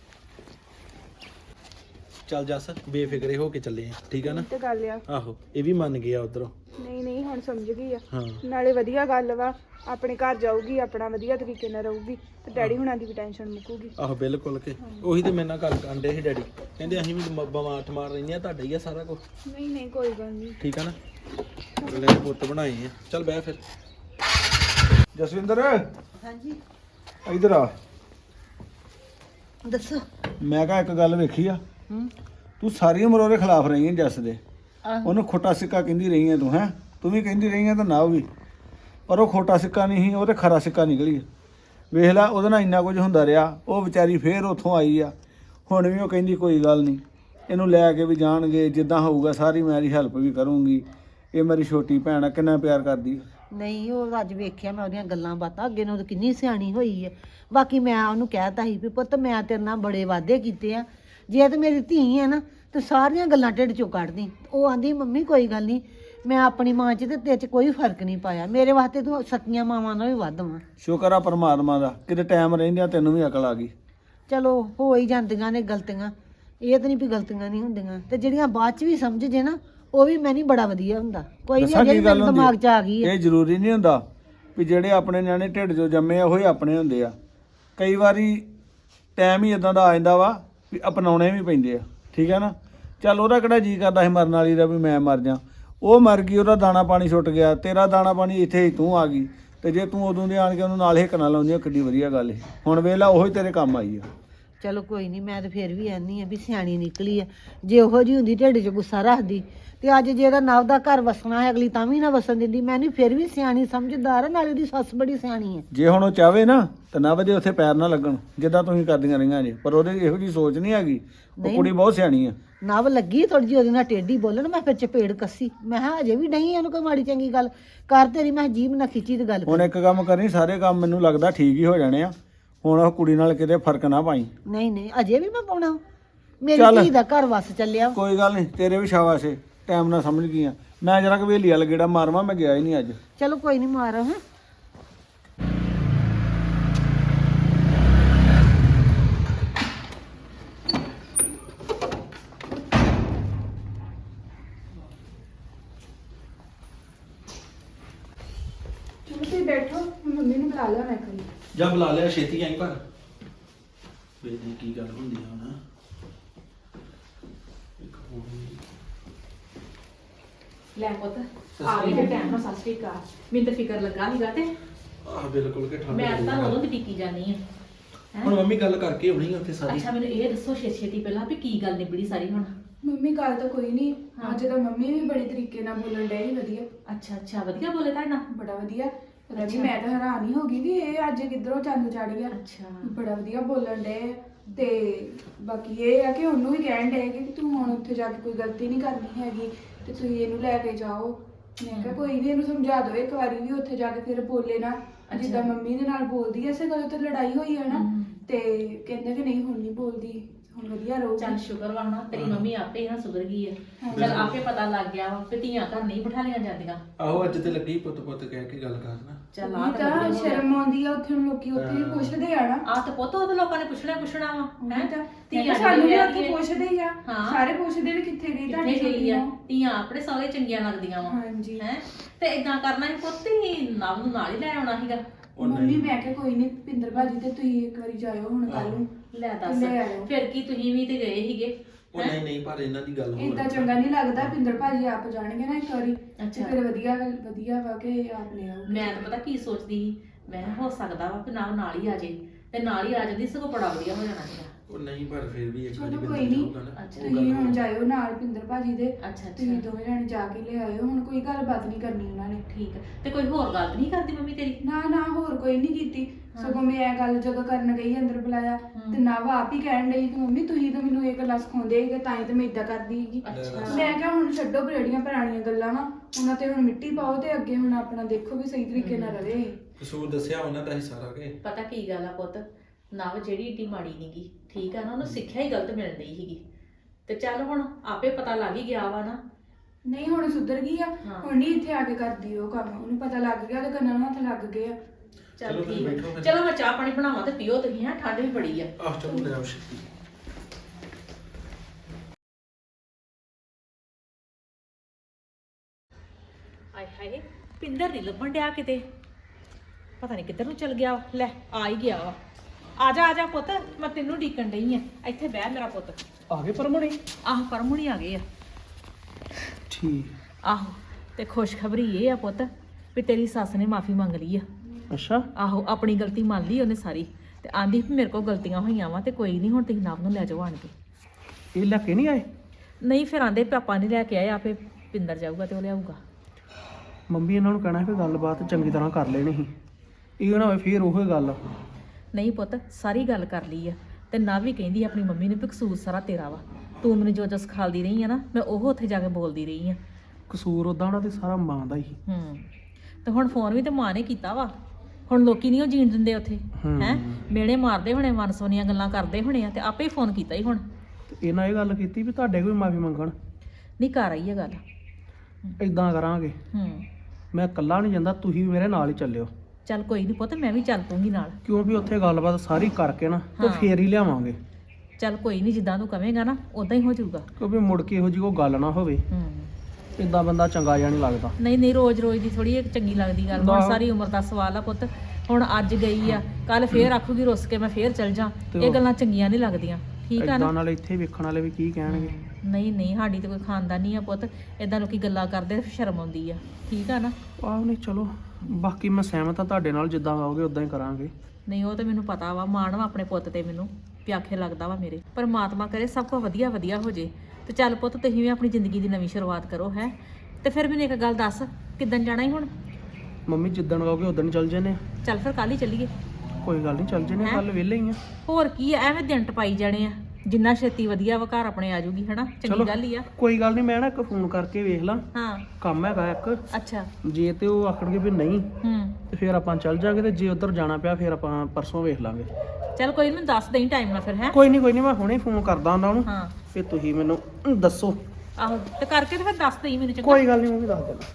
Speaker 2: ਚੱਲ ਜੱਸ ਬੇਫਿਕਰੇ ਹੋ ਕੇ ਚੱਲੇ ਆ ਠੀਕ ਆ ਨਾ
Speaker 3: ਤੇ ਗੱਲ ਆ
Speaker 2: ਆਹੋ ਇਹ ਵੀ ਮੰਨ ਗਿਆ ਉਧਰੋਂ
Speaker 3: ਨਹੀਂ ਨਹੀਂ ਹੁਣ ਸਮਝ ਗਈ ਆ
Speaker 2: ਹਾਂ
Speaker 3: ਨਾਲੇ ਵਧੀਆ ਗੱਲ ਵਾ ਆਪਣੇ ਘਰ ਜਾਊਗੀ ਆਪਣਾ ਵਧੀਆ ਤਰੀਕੇ ਨਾਲ ਰਹੂਗੀ ਤੇ ਡੈਡੀ ਹੁਣਾਂ ਦੀ ਵੀ ਟੈਨਸ਼ਨ ਮੁੱਕੂਗੀ
Speaker 2: ਆਹੋ ਬਿਲਕੁਲ ਕਿ ਉਹੀ ਤੇ ਮੇਰੇ ਨਾਲ ਗੱਲ ਕਰਦੇ ਸੀ ਡੈਡੀ ਕਹਿੰਦੇ ਅਸੀਂ ਵੀ ਮ- ਬਿਮਾਰ ਠਮਾਰ ਰਹਿੰਦੇ ਆ ਤੁਹਾਡਾ ਹੀ ਆ ਸਾਰਾ ਕੁਝ
Speaker 3: ਨਹੀਂ ਨਹੀਂ ਕੋਈ ਗੱਲ ਨਹੀਂ
Speaker 2: ਠੀਕ ਆ ਨਾ ਲੈ ਪੁੱਤ ਬਣਾਏ ਆ ਚੱਲ ਬਹਿ ਫਿਰ
Speaker 1: ਜਸਵਿੰਦਰ
Speaker 4: ਹਾਂਜੀ
Speaker 1: ਇਧਰ ਆ
Speaker 4: ਦੱਸੋ
Speaker 1: ਮੈਂ ਕਿਹਾ ਇੱਕ ਗੱਲ ਵੇਖੀ ਆ
Speaker 4: ਹੂੰ
Speaker 1: ਤੂੰ ਸਾਰੀ ਉਮਰ ਉਹਦੇ ਖਿਲਾਫ ਰਹੀ ਹੈ ਜੱਸ ਦੇ
Speaker 4: ਆਹੋ
Speaker 1: ਉਹਨੂੰ ਖੋਟਾ ਸਿੱਕਾ ਕਹਿੰਦੀ ਰਹੀ ਹੈ ਤੂੰ ਹੈ ਤੂੰ ਵੀ ਕਹਿੰਦੀ ਰਹੀ ਹੈ ਤਾਂ ਨਾ ਉਹ ਵੀ ਪਰ ਉਹ ਖੋਟਾ ਸਿੱਕਾ ਨਹੀਂ ਸੀ ਉਹ ਤੇ ਖਰਾ ਸਿੱਕਾ ਨਿਕਲੀ ਵੇਖ ਲੈ ਉਹਦੇ ਨਾਲ ਇੰਨਾ ਕੁਝ ਹੁੰਦਾ ਰਿਹਾ ਉਹ ਵਿਚਾਰੀ ਫੇਰ ਉੱਥੋਂ ਆਈ ਆ ਹੁਣ ਵੀ ਉਹ ਕਹਿੰਦੀ ਕੋਈ ਗੱਲ ਨਹੀਂ ਇਹਨੂੰ ਲੈ ਕੇ ਵੀ ਜਾਣਗੇ ਜਿੱਦਾਂ ਹੋਊਗਾ ਸਾਰੀ ਮੇਰੀ ਹੈਲਪ ਵੀ ਕਰੂੰਗੀ ਇਹ ਮੇਰੀ ਛੋਟੀ ਭੈਣ ਆ ਕਿੰਨਾ ਪਿਆਰ ਕਰਦੀ
Speaker 4: ਨਹੀਂ ਉਹ ਅੱਜ ਵੇਖਿਆ ਮੈਂ ਉਹਦੀਆਂ ਗੱਲਾਂ ਬਾਤਾਂ ਅੱਗੇ ਨੂੰ ਤਾਂ ਕਿੰਨੀ ਸਿਆਣੀ ਹੋਈ ਹੈ ਬਾਕੀ ਮੈਂ ਉਹਨੂੰ ਕਹਿਤਾ ਸੀ ਵੀ ਪੁੱਤ ਮੈਂ ਤੇਰੇ ਨਾਲ ਬੜੇ ਵਾਅਦੇ ਕੀਤੇ ਆ ਜੇ ਤੇ ਮੇਰੀ ਧੀ ਹੈ ਨਾ ਤੇ ਸਾਰੀਆਂ ਗੱਲਾਂ ਢਿੱਡ ਚੋਂ ਕੱਢਦੀ ਉਹ ਆਂਦੀ ਮੰਮੀ ਕੋਈ ਗੱਲ ਨਹੀਂ ਮੈਂ ਆਪਣੀ ਮਾਂ 'ਚ ਤੇ ਤੇਰੇ 'ਚ ਕੋਈ ਫਰਕ ਨਹੀਂ ਪਾਇਆ ਮੇਰੇ ਵਾਸਤੇ ਤੂੰ ਸਕੀਆਂ ਮਾਵਾਂ ਨਾਲ ਵੀ ਵੱਧ ਵਾਂ
Speaker 1: ਸ਼ੁਕਰ ਆ ਪਰਮਾਤਮਾ ਦਾ ਕਿਤੇ ਟਾਈਮ ਰਹਿੰਦਿਆਂ ਤੈਨੂੰ ਵੀ ਅਕਲ ਆ ਗਈ
Speaker 4: ਚਲੋ ਹੋ ਹੀ ਜਾਂਦੀਆਂ ਨੇ ਗਲਤੀਆਂ ਇਹ ਤਾਂ ਨਹੀਂ ਵੀ ਗਲਤੀਆਂ ਨਹੀਂ ਹੁੰਦੀਆਂ ਤੇ ਜਿਹੜੀਆਂ ਬਾਅਦ 'ਚ ਵੀ ਸਮਝ ਜੇ ਨਾ ਉਹ ਵੀ ਮੈਂ ਨਹੀਂ ਬੜਾ ਵਧੀਆ ਹੁੰਦਾ ਕੋਈ
Speaker 1: ਦੱਸਾਂ
Speaker 4: ਨਹੀਂ
Speaker 1: ਕੀ
Speaker 4: ਜਿਹੜੇ
Speaker 1: ਗੱਲ
Speaker 4: ਮੇਰੇ
Speaker 1: ਹੁੰਦੀ
Speaker 4: ਦਿਮਾਗ 'ਚ ਆ ਗਈ ਹੈ
Speaker 1: ਇਹ ਜ਼ਰੂਰੀ ਨਹੀਂ ਹੁੰਦਾ ਵੀ ਜਿਹੜੇ ਆਪਣੇ ਨਿਆਣੇ ਢਿੱਡ 'ਚੋਂ ਜੰਮੇ ਆ ਉਹੀ ਆਪਣੇ ਹੁੰਦੇ ਆ ਕਈ ਵਾਰੀ ਟਾਈਮ ਹੀ ਇਦਾਂ ਦਾ ਆ ਜਾਂਦਾ ਵਾ ਵੀ ਅਪਣਾਉਣੇ ਵੀ ਪੈਂਦੇ ਆ ਠੀਕ ਹੈ ਨਾ ਚੱਲ ਉਹਦਾ ਕਿਹੜਾ ਜੀ ਕਰਦਾ ਸੀ ਮਰਨ ਵਾਲੀ ਦਾ ਵੀ ਮੈਂ ਮਰ ਜਾ ਉਹ ਮਰ ਗਈ ਉਹਦਾ ਦਾਣਾ ਪਾਣੀ ਛੁੱਟ ਗਿਆ ਤੇਰਾ ਦਾਣਾ ਪਾਣੀ ਇੱਥੇ ਹੀ ਤੂੰ ਆ ਗਈ ਤੇ ਜੇ ਤੂੰ ਉਦੋਂ ਦੇ ਆਣ ਕੇ ਉਹਨੂੰ ਨਾਲ ਹਿੱਕ ਨਾਲ ਲਾਉਂਦੀ ਆ ਕਿੱਡੀ ਵਧੀਆ ਗੱਲ ਹੈ ਹੁਣ ਵੇਖ ਲਾ ਉਹੀ ਤੇਰੇ ਕੰਮ ਆਈ ਆ
Speaker 4: ਚਲੋ ਕੋਈ ਨਹੀਂ ਮੈਂ ਤਾਂ ਫਿਰ ਵੀ ਆਨੀ ਆ ਵੀ ਸਿਆਣੀ ਨਿਕਲੀ ਆ ਜੇ ਉਹੋ ਜੀ ਹੁੰਦੀ ਢਿੱਡ 'ਚ ਗੁੱਸਾ ਰੱਖਦੀ ਤੇ ਅੱਜ ਜੇ ਇਹਦਾ ਨਵ ਦਾ ਘਰ ਵਸਣਾ ਹੈ ਅਗਲੀ ਤਾਂ ਵੀ ਨਾ ਵਸਣ ਦਿੰਦੀ ਮੈਂ ਨਹੀਂ ਫਿਰ ਵੀ ਸਿਆਣੀ ਸਮਝਦਾਰ ਆ ਨਾਲੇ ਉਹਦੀ ਸੱਸ ਬੜੀ ਸਿਆਣੀ ਹੈ
Speaker 1: ਜੇ ਹੁਣ ਉਹ ਚਾਹਵੇ ਨਾ ਤਾਂ ਨਵ ਦੇ ਉੱਥੇ ਪੈਰ ਨਾ ਲੱਗਣ ਜਿੱਦਾਂ ਤੁਸੀਂ ਕਰਦੀਆਂ ਰਹੀਆਂ ਜੇ ਪਰ ਉਹਦੇ ਇਹੋ ਜੀ ਸੋਚ ਨਹੀਂ ਹੈਗੀ ਉਹ
Speaker 4: ਨਹੀਂ।
Speaker 1: ਕੁੜੀ ਬਹੁਤ ਸਿਆਣੀ ਆ
Speaker 4: ਨਵ ਲੱਗੀ ਥੋੜੀ ਜਿਹੀ ਉਹਦੇ ਨਾਲ ਟੇਢੀ ਬੋਲਣ ਮੈਂ ਫਿਰ ਚਪੇੜ ਕੱਸੀ ਮੈਂ ਕਿਹਾ ਅਜੇ ਵੀ ਨਹੀਂ ਉਹਨੂੰ ਕੋਈ ਮਾੜੀ ਚੰਗੀ ਗੱਲ ਕਰ ਤੇਰੀ ਮੈਂ ਜੀਭ ਨਾ ਖਿੱਚੀ ਤੇ ਗੱਲ
Speaker 1: ਹੁਣ
Speaker 4: ਕਰ।
Speaker 1: ਇੱਕ ਕੰਮ ਕਰਨੀ ਸਾਰੇ ਕੰਮ ਮੈਨੂੰ ਲੱਗਦਾ ਠੀਕ ਹੀ ਹੋ ਜਾਣੇ ਆ ਹੁਣ ਉਹ ਕੁੜੀ ਨਾਲ ਕਿਤੇ ਫਰਕ ਨਾ ਪਾਈ
Speaker 4: ਨਹੀਂ ਨਹੀਂ ਅਜੇ ਵੀ ਮੈਂ ਪਾਉਣਾ ਮੇਰੀ
Speaker 1: ਚੱਲ।
Speaker 4: ਧੀ ਦਾ ਘਰ ਵਸ ਚੱਲਿਆ
Speaker 1: ਕੋਈ ਗੱਲ ਨਹੀਂ ਤੇਰੇ ਵੀ ਸ਼ਾਬਾਸ਼ ਏ ਟਾਈਮ ਨਾਲ ਸਮਝ ਗਈ ਆ ਮੈਂ ਜਰਾ ਕਵੇਲੀ ਵਾਲਾ ਗੇੜਾ ਮਾਰਵਾ ਮੈਂ ਗਿਆ ਹੀ ਨਹੀਂ ਅੱਜ
Speaker 4: ਚਲੋ ਕੋਈ ਨਹੀਂ ਮਾਰ ਹਾਂ
Speaker 3: ਚਲੋ ਤੁਸੀਂ ਬੈਠੋ ਮੰਮੀ ਨੂੰ ਬੁਲਾ ਲਿਆ ਮੈਂ ਕਰੀ
Speaker 2: ਜਾ ਬੁਲਾ ਲਿਆ ਛੇਤੀ ਆਈ ਪਰ ਬੇਦੀ ਕੀ ਗੱਲ ਹੁੰਦੀ ਆ ਹੁਣ ਇੱਕ ਹੋਰ
Speaker 5: ਲੈ ਪੁੱਤ ਆ ਗਈ ਤੇ ਟਾਈਮ ਨਾਲ ਸਤਿ ਸ਼੍ਰੀ ਅਕਾਲ ਮੈਨੂੰ ਤਾਂ ਫਿਕਰ ਲੱਗਾ ਸੀਗਾ ਤੇ
Speaker 2: ਆਹ ਬਿਲਕੁਲ ਕਿ ਠੰਡ
Speaker 5: ਮੈਂ
Speaker 2: ਲੱਗੀ
Speaker 5: ਤਾਂ
Speaker 2: ਆ।
Speaker 5: ਉਦੋਂ ਦੀ ਟਿੱਕੀ ਜਾਨੀ ਆ
Speaker 2: ਹੁਣ ਮੰਮੀ ਗੱਲ ਕਰਕੇ ਆਉਣੀ ਆ ਉੱਥੇ ਸਾਰੀ
Speaker 5: ਅੱਛਾ ਮੈਨੂੰ ਇਹ ਦੱਸੋ ਛੇਤੀ ਛੇਤੀ ਪਹਿਲਾਂ ਵੀ ਕੀ ਗੱਲ ਨਿਬੜੀ ਸਾਰੀ ਹੁਣ
Speaker 3: ਮੰਮੀ ਗੱਲ ਤਾਂ ਕੋਈ ਨਹੀਂ
Speaker 5: ਹਾਂ।
Speaker 3: ਅੱਜ ਤਾਂ ਮੰਮੀ ਵੀ ਬੜੇ ਤਰੀਕੇ ਨਾਲ ਬੋਲਣ ਡਈ ਵਧੀਆ
Speaker 5: ਅੱਛਾ ਅੱਛਾ ਵਧੀਆ ਬੋਲੇ ਤੁਹਾਡੇ ਨਾਲ
Speaker 3: ਬੜਾ ਵਧੀਆ ਪਤਾ ਨਹੀਂ ਮੈਂ ਤਾਂ ਹੈਰਾਨ ਹੀ ਹੋ ਗਈ ਵੀ ਇਹ ਅੱਜ ਕਿੱਧਰੋਂ ਚੰਦ ਚੜ ਗਿਆ।
Speaker 5: ਅੱਛਾ
Speaker 3: ਬੜਾ ਵਧੀਆ ਬੋਲਣ ਡੇ ਤੇ ਬਾਕੀ ਇਹ ਆ ਕਿ ਉਹਨੂੰ ਵੀ ਕਹਿਣ ਡੇ ਕਿ ਤੂੰ ਹੁਣ ਉੱਥੇ ਜਾ ਕੇ ਕੋਈ ਗਲਤੀ ਨਹੀਂ ਕਰਨੀ ਹੈਗੀ ਤੇ ਤੁਸੀਂ ਇਹਨੂੰ ਲੈ ਕੇ ਜਾਓ। ਮੈਂ ਕਿਹਾ ਕੋਈ ਨਹੀਂ, ਇਹਨੂੰ ਸਮਝਾ ਦਿਓ ਇੱਕ ਵਾਰੀ ਵੀ ਉੱਥੇ ਜਾ ਕੇ ਫਿਰ ਬੋਲੇ ਨਾ ਜਿੱਦਾਂ ਮੰਮੀ ਦੇ ਨਾਲ ਬੋਲਦੀ ਐ। ਇਸੇ ਗੱਲ ਤੇ ਲੜਾਈ ਹੋਈ ਹੈ ਨਾ ਤੇ ਕਹਿੰਦੇ ਕਿ ਨਹੀਂ ਹੁਣ ਨਹੀਂ ਬੋਲਦੀ, ਹੁਣ ਵਧੀਆ ਰਹੂਗੀ।
Speaker 5: ਚੱਲ ਸ਼ੁਕਰ ਵਾ ਨਾ ਤੇਰੀ ਮੰਮੀ ਆਪੇ ਹੀ ਨਾ ਸੁਧਰ ਗਈ ਆ। ਚੱਲ ਆਪੇ ਪਤਾ ਲੱਗ ਗਿਆ ਵਾ ਕਿ ਧੀਆਂ ਘਰ ਨਹੀਂ ਬਿਠਾ ਲਈਆਂ ਜਾਂਦੀਆਂ।
Speaker 2: ਆਹੋ ਅੱਜ ਤੇ ਲੱਗੀ ਪੁੱਤ ਪੁੱਤ ਕਹਿ ਕੇ ਗੱਲ ਕਰਨਾ।
Speaker 5: ਚੱਲ ਆ
Speaker 3: ਨਹੀਂ
Speaker 5: ਤਾਂ
Speaker 3: ਤਾਂ ਸ਼ਰਮ ਆਉਂਦੀ ਆ ਉੱਥੇ ਨੂੰ, ਲੋਕੀ ਉੱਥੇ ਵੀ ਪੁੱਛਦੇ ਆ ਨਾ।
Speaker 5: ਆ ਤਾਂ ਪੁੱਤ ਉਹ ਤਾਂ ਲੋਕਾਂ ਨੇ ਪੁੱਛਣਾ ਹੀ ਪੁੱਛਣਾ ਵਾ
Speaker 3: ਮੈਂ
Speaker 5: ਹੈ
Speaker 3: ਤਾਂ
Speaker 5: ਧੀਆਂ
Speaker 3: ਸਾਨੂੰ ਵੀ
Speaker 5: ਜਿਹੜੀਆਂ
Speaker 3: ਉੱਥੇ ਪੁੱਛਦੇ ਹੀ ਆ,
Speaker 5: ਹਾਂ।
Speaker 3: ਸਾਰੇ ਪੁੱਛਦੇ ਵੀ ਕਿੱਥੇ ਗਈ ਤੁਹਾਡੀ
Speaker 5: ਕਿੱਥੇ ਗਈ
Speaker 3: ਛੋਟੀ
Speaker 5: ਆ
Speaker 3: ਨੂੰ।
Speaker 5: ਧੀਆਂ ਆਪਣੇ ਸਾਰੇ ਚੰਗੀਆਂ ਲੱਗਦੀਆਂ ਵਾ
Speaker 3: ਹਾਂਜੀ।
Speaker 5: ਹੈ ਤੇ ਇਦਾਂ ਕਰਨਾ ਹੀ ਪੁੱਤ ਹੀ ਨਵ ਨੂੰ ਨਾਲ ਹੀ ਲੈ ਆਉਣਾ ਸੀਗਾ।
Speaker 3: ਮੰਮੀ ਮੈਂ ਕਿਹਾ ਕੋਈ ਨਹੀਂ ਪਿੰਦਰ ਭਾਜੀ ਤੇ ਤੁਸੀਂ ਇੱਕ ਵਾਰੀ ਜਾਇਓ ਹੁਣ ਕੱਲ ਨੂੰ
Speaker 5: ਲੈ
Speaker 3: ਲੈ
Speaker 5: ਦੱਸ
Speaker 3: ਆਇਓ।
Speaker 5: ਫਿਰ ਕੀ ਤੁਸੀਂ ਵੀ ਤੇ ਗਏ ਸੀਗੇ।
Speaker 2: ਉਹ ਨਹੀਂ ਨਹੀਂ ਪਰ ਇਹਨਾਂ ਦੀ ਗੱਲ ਹੋਰ
Speaker 3: ਏਦਾਂ ਚੰਗਾ ਨਹੀਂ ਲੱਗਦਾ। ਪਿੰਦਰ ਭਾਜੀ ਆਪ ਜਾਣਗੇ ਨਾ ਇੱਕ ਵਾਰੀ ਤੇ
Speaker 5: ਅੱਛਾ।
Speaker 3: ਫਿਰ ਵਧੀਆ ਵਧੀਆ ਵਾ ਕਿ ਆਪ ਲੈ ਆਓ।
Speaker 5: ਮੈਂ ਤਾਂ ਪਤਾ ਕੀ ਸੋਚਦੀ ਸੀ, ਮੈਂ ਕਿਹਾ ਹੋ ਸਕਦਾ ਵਾ ਕਿ ਨਵ ਨਾਲ ਹੀ ਆ ਜੇ ਤੇ ਨਾਲ ਹੀ ਆ ਜਾਂਦੀ ਸਗੋਂ ਬੜਾ ਵਧੀਆ ਹੋ ਜਾਣਾ ਸੀਗਾ।
Speaker 2: ਉਹ ਨਹੀਂ ਪਰ ਫਿਰ ਵੀ ਇੱਕ ਵਾਰੀ
Speaker 3: ਚਲੋ
Speaker 2: ਬੰਦਾ
Speaker 3: ਕੋਈ ਨਹੀਂ,
Speaker 2: ਜਾਊਗਾ ਨਾ,
Speaker 5: ਅੱਛਾ।
Speaker 2: ਉਹ ਗੱਲ
Speaker 3: ਤੁਸੀਂ ਹੁਣ
Speaker 2: ਹੋਰ।
Speaker 3: ਜਾਇਓ ਨਾਲ ਪਿੰਦਰ ਭਾਜੀ ਦੇ।
Speaker 5: ਅੱਛਾ
Speaker 3: ਤੁਸੀਂ
Speaker 5: ਅੱਛਾ
Speaker 3: ਦੋਵੇਂ ਜਣੇ ਜਾ ਕੇ ਲੈ ਆਇਓ। ਹੁਣ ਕੋਈ ਗੱਲਬਾਤ ਨਹੀਂ ਕਰਨੀ ਉਹਨਾਂ ਨੇ।
Speaker 5: ਠੀਕ ਆ। ਤੇ ਕੋਈ ਹੋਰ ਗੱਲ ਨਹੀਂ ਕਰਦੀ ਮੰਮੀ ਤੇਰੀ?
Speaker 3: ਨਾ ਨਾ ਹੋਰ ਕੋਈ ਨਹੀਂ ਕੀਤੀ। ਸਗੋਂ ਮੈਂ ਇਹ ਗੱਲ ਜਦੋਂ ਕਰਨ ਗਈ ਅੰਦਰ ਬੁਲਾਇਆ ਤੇ ਨਵ ਆਪ ਹੀ ਕਹਿਣ ਡਈ ਕਿ ਮੰਮੀ ਤੁਸੀਂ ਤਾਂ ਮੈਨੂੰ ਇਹ ਗੱਲਾਂ ਸਿਖਾਉਂਦੇ ਸੀਗੇ ਤਾਂ ਹੀ ਤਾਂ ਮੈਂ ਇਦਾਂ ਕਰਦੀ ਸੀਗੀ।
Speaker 5: ਅੱਛਾ।
Speaker 3: ਮੈਂ ਕਿਹਾ ਹੁਣ ਛੱਡੋ ਬੜੀਆਂ ਪੁਰਾਣੀਆਂ ਗੱਲਾਂ ਵਾ, ਉਹਨਾਂ ਤੇ ਹੁਣ ਮਿੱਟੀ ਪਾਓ ਤੇ ਅੱਗੇ ਹੁਣ ਆਪਣਾ ਦੇਖੋ ਵੀ ਸਹੀ ਤਰੀਕੇ ਨਾਲ ਰਵੇ।
Speaker 2: ਕਸੂਰ ਦੱਸਿਆ ਉਹਨਾਂ ਦਾ ਹੀ ਸਾਰਾ ਕੇ।
Speaker 5: ਪਤਾ ਕੀ ਗੱਲ ਆ ਪੁੱਤ, ਨਵ ਜਿਹੜੀ ਏਡੀ ਮਾੜੀ ਨੀਗੀ, ਠੀਕ ਆ ਨਾ, ਉਹਨੂੰ ਸਿੱਖਿਆ ਹੀ ਗਲਤ ਮਿਲ ਰਹੀ ਸੀਗੀ ਤੇ ਚੱਲ ਹੁਣ ਆਪੇ ਪਤਾ ਲੱਗ ਹੀ ਗਿਆ ਵਾ ਨਾ।
Speaker 3: ਨਹੀਂ ਹੁਣ ਸੁਧਰ ਗਈ ਆ,
Speaker 5: ਹਾਂ।
Speaker 3: ਹੁਣ ਨਹੀਂ ਇੱਥੇ ਆ ਕੇ ਕਰਦੀ ਉਹ ਕੰਮ। ਉਹਨੂੰ ਪਤਾ ਲੱਗ ਗਿਆ, ਉਹਦੇ ਕੰਨਾਂ ਨੂੰ ਹੱਥ ਲੱਗ ਗਏ ਆ।
Speaker 5: ਚੱਲ
Speaker 2: ਚਲੋ ਫਿਰ
Speaker 5: ਠੀਕ
Speaker 2: ਬੈਠੋ
Speaker 5: ਆ।
Speaker 2: ਫਿਰ।
Speaker 5: ਚਲੋ ਮੈਂ ਚਾਹ ਪਾਣੀ ਬਣਾਵਾਂ ਤੇ ਪੀਓ ਤੁਸੀਂ, ਹੈ ਠੰਡ ਵੀ ਬੜੀ ਆ।
Speaker 2: ਆਹ ਚਲੋ ਲੈ ਆਓ ਛੇਤੀ।
Speaker 5: ਆਏ ਹਾਏ ਪਿੰਦਰ ਨਹੀਂ ਲੱਭਣ ਡਿਆ ਕਿਤੇ, ਪਤਾ ਨਹੀਂ ਕਿੱਧਰ ਨੂੰ ਚਲ ਗਿਆ ਵਾ। ਲੈ ਆ ਹੀ ਗਿਆ ਵਾ। ਆ ਜਾ ਆ ਜਾ ਪੁੱਤ, ਮੈਂ ਤੈਨੂੰ ਢੀਕਣ ਡਈ ਆ। ਇੱਥੇ ਬਹਿ ਮੇਰਾ ਪੁੱਤ।
Speaker 1: ਆ ਗਏ ਪਰਮਣੀ?
Speaker 5: ਆਹੋ ਪਰਮੁਣੀ ਆ ਗਏ ਆ।
Speaker 1: ਠੀਕ।
Speaker 5: ਆਹੋ ਤੇ ਖੁਸ਼ਖਬਰੀ ਇਹ ਆ ਪੁੱਤ ਵੀ ਤੇਰੀ ਸੱਸ ਨੇ ਮਾਫੀ ਮੰਗ ਲਈ ਆ।
Speaker 1: ਅੱਛਾ।
Speaker 5: ਆਹੋ ਆਪਣੀ ਗਲਤੀ ਮੰਨ ਲਈ ਉਹਨੇ ਸਾਰੀ ਤੇ ਆਂਦੀ ਵੀ ਮੇਰੇ ਕੋਲ ਗਲਤੀਆਂ ਹੋਈਆਂ ਵਾ ਤੇ ਕੋਈ ਨਹੀਂ ਹੁਣ ਤੁਸੀਂ ਨਵ ਨੂੰ ਲੈ ਜਾਓ ਆਣ ਕੇ।
Speaker 1: ਇਹ ਲੈ ਕੇ ਨਹੀਂ ਆਏ?
Speaker 5: ਨਹੀਂ ਫਿਰ ਆਂਦੇ ਪਾਪਾ ਨੇ ਲੈ ਕੇ ਆਏ, ਆਪੇ ਪਿੰਦਰ ਜਾਊਗਾ ਤੇ ਉਹ ਲਿਆਊਗਾ।
Speaker 1: ਮੰਮੀ ਇਹਨਾਂ ਨੂੰ ਕਹਿਣਾ ਵੀ ਗੱਲਬਾਤ ਚੰਗੀ ਤਰ੍ਹਾਂ ਕਰ ਲੈਣੀ ਸੀ, ਇਹ ਨਾ ਹੋਵੇ ਫੇਰ ਉਹੀ ਗੱਲ।
Speaker 5: ਨਹੀਂ ਪੁੱਤ ਸਾਰੀ ਗੱਲ ਕਰ ਲਈ ਆ ਤੇ ਨਵ ਵੀ ਕਹਿੰਦੀ ਆਪਣੀ ਮੰਮੀ ਨੂੰ ਵੀ ਕਸੂਰ ਸਾਰਾ ਤੇਰਾ ਵਾ, ਤੂੰ ਮੈਨੂੰ ਜੋ ਜੋ ਸਿਖਾਲਦੀ ਰਹੀ ਆ ਨਾ ਮੈਂ ਉਹ ਉੱਥੇ ਜਾ ਕੇ ਬੋਲਦੀ ਰਹੀ ਆ।
Speaker 1: ਕਸੂਰ ਉਦਾਂ ਉਹਨਾਂ ਤੇ ਸਾਰਾ ਮਾਂ ਦਾ ਹੀ।
Speaker 5: ਹੂੰ ਤੇ ਹੁਣ ਫੋਨ ਵੀ ਤੇ ਮਾਂ ਨੇ ਕੀਤਾ ਵਾ। ਹੁਣ ਲੋਕੀ ਨਹੀਂ ਉਹ ਜੀਣ ਦਿੰਦੇ ਉੱਥੇ ਹੈ, ਮੇਲੇ ਮਾਰਦੇ ਹੋਣੇ, ਮਨਸੋਨੀਆਂ ਗੱਲਾਂ ਕਰਦੇ ਹੋਣੇ ਆ ਤੇ ਆਪੇ ਹੀ ਫੋਨ ਕੀਤਾ ਹੀ ਹੁਣ।
Speaker 1: ਤੇ ਇਹਨਾਂ ਇਹ ਗੱਲ ਕੀਤੀ ਵੀ ਤੁਹਾਡੇ ਕੋਈ ਮਾਫੀ ਮੰਗਣ।
Speaker 5: ਨਹੀਂ ਕਰ ਆਈ ਇਹ ਗੱਲ।
Speaker 1: ਇਦਾਂ ਕਰਾਂਗੇ,
Speaker 5: ਹੂੰ
Speaker 1: ਮੈਂ ਇਕੱਲਾ ਨਹੀਂ ਜਾਂਦਾ, ਤੁਸੀਂ ਵੀ ਮੇਰੇ ਨਾਲ ਹੀ ਚੱਲਿਓ।
Speaker 5: ਚੱਲ ਕੋਈ ਨਹੀਂ ਪੁੱਤ ਮੈਂ ਵੀ ਚੱਲ ਪੂੰਗੀ ਨਾਲ।
Speaker 1: ਕਿਉਂ ਵੀ ਉੱਥੇ ਗੱਲਬਾਤ ਸਾਰੀ ਕਰਕੇ ਨਾ ਤੇ ਫੇਰ ਹੀ ਲਿਆਵਾਂਗੇ।
Speaker 5: ਚੱਲ ਕੋਈ ਨਹੀਂ ਜਿੱਦਾਂ ਤੂੰ ਕਵੇਂਗਾ ਨਾ ਉਦਾਂ ਹੀ ਹੋ ਜਾਊਗਾ।
Speaker 1: ਕਿਉਂਕਿ ਮੁੜ ਕੇ ਇਹੋ ਜਿਹੀ ਕੋਈ ਗੱਲ ਨਾ ਹੋਵੇ।
Speaker 5: ਹੂੰ
Speaker 1: ਇਦਾਂ ਬੰਦਾ ਚੰਗਾ ਜਿਹਾ ਨਹੀਂ ਲੱਗਦਾ।
Speaker 5: ਨਹੀਂ ਨਹੀਂ ਰੋਜ਼ ਰੋਜ਼ ਦੀ ਥੋੜੀ ਇੱਕ ਚੰਗੀ ਲੱਗਦੀ ਗੱਲ। ਹੁਣ ਸਾਰੀ ਉਮਰ ਦਾ ਸਵਾਲ ਆ ਪੁੱਤ। ਹੁਣ ਅੱਜ ਗਈ ਆ, ਕੱਲ ਫੇਰ ਆਖੂਗੀ ਰੁੱਸ ਕੇ ਮੈਂ ਫੇਰ ਚੱਲ ਜਾ। ਇਹ ਗੱਲਾਂ ਚੰਗੀਆਂ ਨਹੀਂ ਲੱਗਦੀਆਂ, ਠੀਕ ਆ ਨਾ।
Speaker 1: ਇਦਾਂ ਨਾਲ ਇੱਥੇ ਵੇਖਣ ਵਾਲੇ ਵੀ ਕੀ ਕਹਿਣਗੇ।
Speaker 5: ਨਹੀਂ ਨਹੀਂ ਸਾਡੀ ਤੇ ਕੋਈ ਖਾਨਦਾਨੀ ਆ ਪੁੱਤ, ਇਦਾਂ ਲੋਕੀ ਗੱਲਾਂ ਕਰਦੇ ਫਿਰ ਸ਼ਰਮ ਆਉਂਦੀ ਆ, ਠੀਕ ਆ ਨਾ।
Speaker 1: ਆਹ ਨਹੀਂ ਚਲੋ, ਬਾਕੀ ਮੈਂ ਸਹਿਮਤ ਆ ਤੁਹਾਡੇ ਨਾਲ, ਜਿੱਦਾਂ ਆਓਗੇ ਉਦਾਂ ਹੀ ਕਰਾਂਗੇ।
Speaker 5: ਨਹੀਂ ਉਹ ਤੇ ਮੈਨੂੰ ਪਤਾ ਵਾ, ਮਾਣ ਵਾ ਆਪਣੇ ਪੁੱਤ ਤੇ ਮੈਨੂੰ, ਪਿਆਖੇ ਲੱਗਦਾ ਵਾ ਮੇਰੇ। ਪਰਮਾਤਮਾ ਕਰੇ ਸਭ ਕੁਝ ਵਧੀਆ ਵਧੀਆ ਹੋ ਜੇ ਤੇ ਚੱਲ ਪੁੱਤ ਤੁਸੀਂ ਵੀ ਆਪਣੀ ਜ਼ਿੰਦਗੀ ਦੀ ਨਵੀਂ ਸ਼ੁਰੂਆਤ ਕਰੋ ਹੈ। ਤੇ ਫਿਰ ਮੈਨੂੰ ਇੱਕ ਗੱਲ ਦੱਸ, ਕਿੱਦਣ ਜਾਣਾ ਹੀ ਹੁਣ?
Speaker 1: ਮੰਮੀ ਜਿੱਦਣ ਆਓਗੇ ਉਦੋਂ ਹੀ ਚੱਲ ਜੰਨੇ।
Speaker 5: ਚੱਲ ਫਿਰ ਕੱਲ ਹੀ ਚੱਲੀਏ।
Speaker 1: ਕੋਈ ਗੱਲ ਨਹੀਂ, ਚੱਲ ਜੰਨੇ, ਕੱਲ ਵਿਹਲੇ ਹੀ ਆ।
Speaker 5: ਹੋਰ ਕੀ ਆ, ਐਵੇਂ ਦਿਨ ਟਪਾਈ ਜਾਣੇ ਆ। ਜਿੰਨਾ ਛੇਤੀ ਵਧੀਆ ਵਾ ਘਰ ਆਪਣੇ ਆ ਜੂਗੀ ਹਨਾ, ਚੰਗੀ ਗੱਲ ਹੀ ਆ।
Speaker 1: ਕੋਈ ਗੱਲ ਨਹੀਂ, ਮੈਂ ਨਾ ਇੱਕ ਫੋਨ ਕਰਕੇ ਵੇਖ ਲਾਂ,
Speaker 5: ਹਾਂ
Speaker 1: ਕੰਮ ਹੈਗਾ ਇੱਕ।
Speaker 5: ਅੱਛਾ।
Speaker 1: ਜੇ ਤੇ ਉਹ ਆਖਣਗੇ ਵੀ ਨਹੀਂ
Speaker 5: ਹੂੰ
Speaker 1: ਤੇ ਫਿਰ ਆਪਾਂ ਚੱਲ ਜਾਾਂਗੇ, ਤੇ ਜੇ ਉਧਰ ਜਾਣਾ ਪਿਆ ਫਿਰ ਆਪਾਂ ਪਰਸੋਂ ਵੇਖ ਲਾਂਗੇ।
Speaker 5: ਚੱਲ ਕੋਈ ਨਹੀਂ ਦੱਸ ਦੇਈਂ ਟਾਈਮ ਨਾਲ ਫਿਰ ਹੈ।
Speaker 1: ਕੋਈ ਨਹੀਂ ਕੋਈ ਨਹੀਂ, ਮੈਂ ਹੁਣੇ ਫੋਨ ਕਰਦਾ ਉਹਨਾਂ ਨੂੰ,
Speaker 5: ਹਾਂ
Speaker 1: ਫਿਰ ਤੁਸੀਂ ਮੈਨੂੰ ਦੱਸੋ।
Speaker 5: ਆਹੋ ਤੇ ਕਰਕੇ ਤੇ ਫਿਰ ਦੱਸ ਦੇਈਂ ਮੈਨੂੰ, ਚੰਗਾ।
Speaker 1: ਕੋਈ ਗੱਲ ਨਹੀਂ, ਮੈਂ ਵੀ ਦੱਸ ਦੇਣਾ।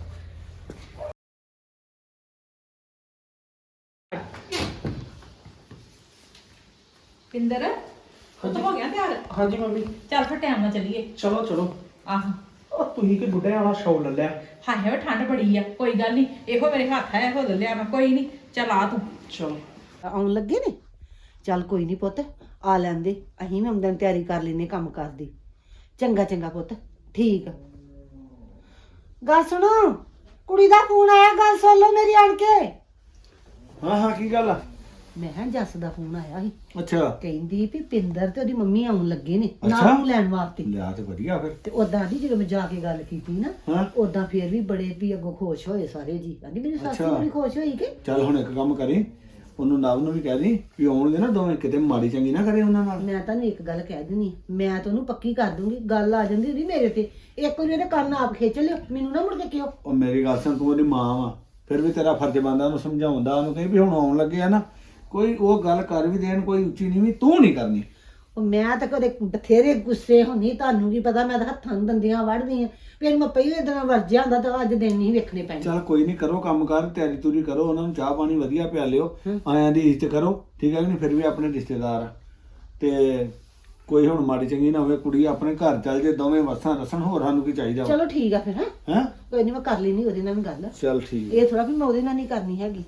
Speaker 5: ਪਿੰਦਰ ਉਹ ਹੋ ਗਿਆ ਤਿਆਰ?
Speaker 1: ਹਾਂਜੀ ਮੰਮੀ।
Speaker 5: ਚੱਲ ਫਿਰ ਟਾਈਮ ਨਾਲ ਚੱਲੀਏ।
Speaker 1: ਚਲੋ ਚਲੋ।
Speaker 5: ਆਹੋ
Speaker 1: ਉਹ ਤੁਸੀਂ ਕਿ ਬੁੱਢੇ ਵਾਲਾ ਸ਼ੌਲ ਲੈ ਲਿਆ।
Speaker 5: ਹਾਂ ਹੈ ਠੰਡ ਬੜੀ ਆ, ਕੋਈ ਗੱਲ ਨਹੀਂ, ਇਹੋ ਮੇਰੇ ਹੱਥ ਹੈ, ਇਹੋ ਲੈ ਲਿਆ ਮੈਂ, ਕੋਈ ਨਹੀਂ। ਚੱਲ ਆ ਤੂੰ।
Speaker 1: ਚਲੋ
Speaker 4: ਆਉਣ ਲੱਗੇ ਨੇ। ਚੱਲ ਕੋਈ ਨਹੀਂ ਪੁੱਤ, ਆ ਲੈਂਦੇ, ਅਸੀਂ ਵੀ ਆਮਦਨ ਤਿਆਰੀ ਕਰ ਲੈਨੇ ਕੰਮ ਕਰਦੀ। ਚੰਗਾ ਚੰਗਾ ਪੁੱਤ, ਠੀਕ ਆ। ਗੱਲ ਸੁਣੋ, ਕੁੜੀ ਦਾ ਫੋਨ ਆਇਆ, ਗੱਲ ਸੁਣ ਲਓ ਮੇਰੀ ਆਣ ਕੇ।
Speaker 1: ਹਾਂ ਹਾਂ, ਕੀ ਗੱਲ ਆ?
Speaker 4: ਮੈਂ ਕਿਹਾ ਜੱਸ ਦਾ ਫੋਨ ਆਇਆ ਸੀ,
Speaker 1: ਅੱਛਾ
Speaker 4: ਕਹਿੰਦੀ ਵੀ ਪਿੰਦਰ ਤੇ ਉਹਦੀ ਮੰਮੀ ਆਉਣ ਲੱਗੇ ਨੇ
Speaker 1: ਅੱਛਾ।
Speaker 4: ਨਾਲ ਨੂੰ ਲੈਣ ਵਾਸਤੇ।
Speaker 1: ਲਿਆ ਤੇ ਵਧੀਆ ਫਿਰ।
Speaker 4: ਤੇ ਉਦਾਂ ਦੀ ਜਦੋਂ ਮੈਂ ਜਾ ਕੇ ਗੱਲ ਕੀਤੀ ਨਾ,
Speaker 1: ਹਾਂ
Speaker 4: ਉਦਾਂ ਫੇਰ ਵੀ ਬੜੇ ਵੀ ਅੱਗੋਂ ਖੁਸ਼ ਹੋਏ ਸਾਰੇ ਜੀ। ਕਹਿੰਦੀ ਮੇਰੀ ਸੱਸ
Speaker 1: ਅੱਛਾ।
Speaker 4: ਬੜੀ ਖੁਸ਼ ਹੋਈ ਕਿ
Speaker 1: ਚੱਲ ਹੁਣ ਇੱਕ ਕੰਮ ਕਰੀ, ਉਹਨੂੰ ਨਵ ਨੂੰ ਵੀ ਕਹਿ ਦੀ ਵੀ ਆਉਣਗੇ ਨਾ ਦੋਵੇਂ, ਕਿਤੇ ਮਾੜੀ ਚੰਗੀ ਨਾ ਕਰੇ ਉਹਨਾਂ ਨਾਲ।
Speaker 4: ਮੈਂ ਤੁਹਾਨੂੰ ਇੱਕ ਗੱਲ ਕਹਿ ਦਿੰਦੀ, ਮੈਂ ਤਾਂ ਉਹਨੂੰ ਪੱਕੀ ਕਰ ਦੂੰਗੀ, ਗੱਲ ਆ ਜਾਂਦੀ ਉਹਦੀ ਮੇਰੇ ਤੇ। ਇੱਕ ਵਾਰੀ ਉਹਦੇ ਕੰਨ ਆਪ ਖਿੱਚ ਲਿਓ, ਮੈਨੂੰ ਨਾ ਮੁੜ ਕੇ ਕਿਉਂ।
Speaker 1: ਉਹ ਮੇਰੀ ਗੱਲ ਸੁਣ, ਤੂੰ ਉਹਦੀ ਮਾਂ ਵਾ, ਫਿਰ ਵੀ ਤੇਰਾ ਫਰਜ਼ ਬਣਦਾ ਉਹਨੂੰ ਸਮਝਾਉਂਦਾ, ਉਹਨੂੰ ਕਹੀ ਵੀ ਹੁਣ ਆਉਣ ਲੱਗੇ ਆ ਨਾ, ਕੋਈ ਉਹ ਗੱਲ ਕਰ ਵੀ ਦੇਣ, ਕੋਈ ਉੱਚੀ ਨਹੀਂ ਵੀ ਤੂੰ ਨਹੀਂ ਕਰਨੀ।
Speaker 4: ਉਹ ਮੈਂ ਤਾਂ ਕਦੇ ਬਥੇਰੇ ਗੁੱਸੇ ਹੁੰਨੀ, ਤੁਹਾਨੂੰ ਕੀ ਪਤਾ, ਮੈਂ ਤਾਂ ਹੱਥਾਂ ਨੂੰ ਦੰਦੀਆਂ ਵੜਦੀ ਆ। ਫਿਰ ਮੈਂ ਪਹਿਲੇ ਦਿਨ ਵਰਜਿਆ ਹੁੰਦਾ ਤਾਂ ਅੱਜ ਦਿਨ ਨਹੀਂ ਵੇਖਣੇ ਪੈਣੇ।
Speaker 1: ਚੱਲ ਕੋਈ ਨਹੀਂ, ਕਰੋ ਕੰਮ ਕਰ, ਤਿਆਰੀ ਤੁਰੀ ਕਰੋ, ਉਹਨਾਂ ਨੂੰ ਚਾਹ ਪਾਣੀ ਵਧੀਆ ਪਿਆ ਲਿਓ, ਆਇਆਂ ਦੀ ਇੱਜ਼ਤ ਕਰੋ, ਠੀਕ ਹੈ ਕਿ ਨਹੀਂ, ਫਿਰ ਵੀ ਆਪਣੇ ਰਿਸ਼ਤੇਦਾਰ ਆ। ਤੇ ਕੋਈ ਹੁਣ ਮਾੜੀ ਚੰਗੀ ਨਾ ਹੋਵੇ, ਕੁੜੀ ਆਪਣੇ ਘਰ ਚੱਲ ਜੇ, ਦੋਵੇਂ ਵਸਾਂ ਰਸਣ, ਹੋਰ ਸਾਨੂੰ ਕੀ ਚਾਹੀਦਾ ਵਾ।
Speaker 4: ਚਲੋ ਠੀਕ ਆ ਫਿਰ। ਹੈ
Speaker 1: ਹੈਂ
Speaker 4: ਕੋਈ ਨਹੀਂ, ਮੈਂ ਕਰ ਲੈਣੀ ਉਹਦੇ ਨਾਲ ਵੀ ਗੱਲ।
Speaker 1: ਚੱਲ ਠੀਕ।
Speaker 4: ਇਹ ਥੋੜਾ ਵੀ ਮੈਂ ਉਹਦੇ ਨਾਲ ਨਹੀਂ ਕਰਨੀ ਹੈਗੀ।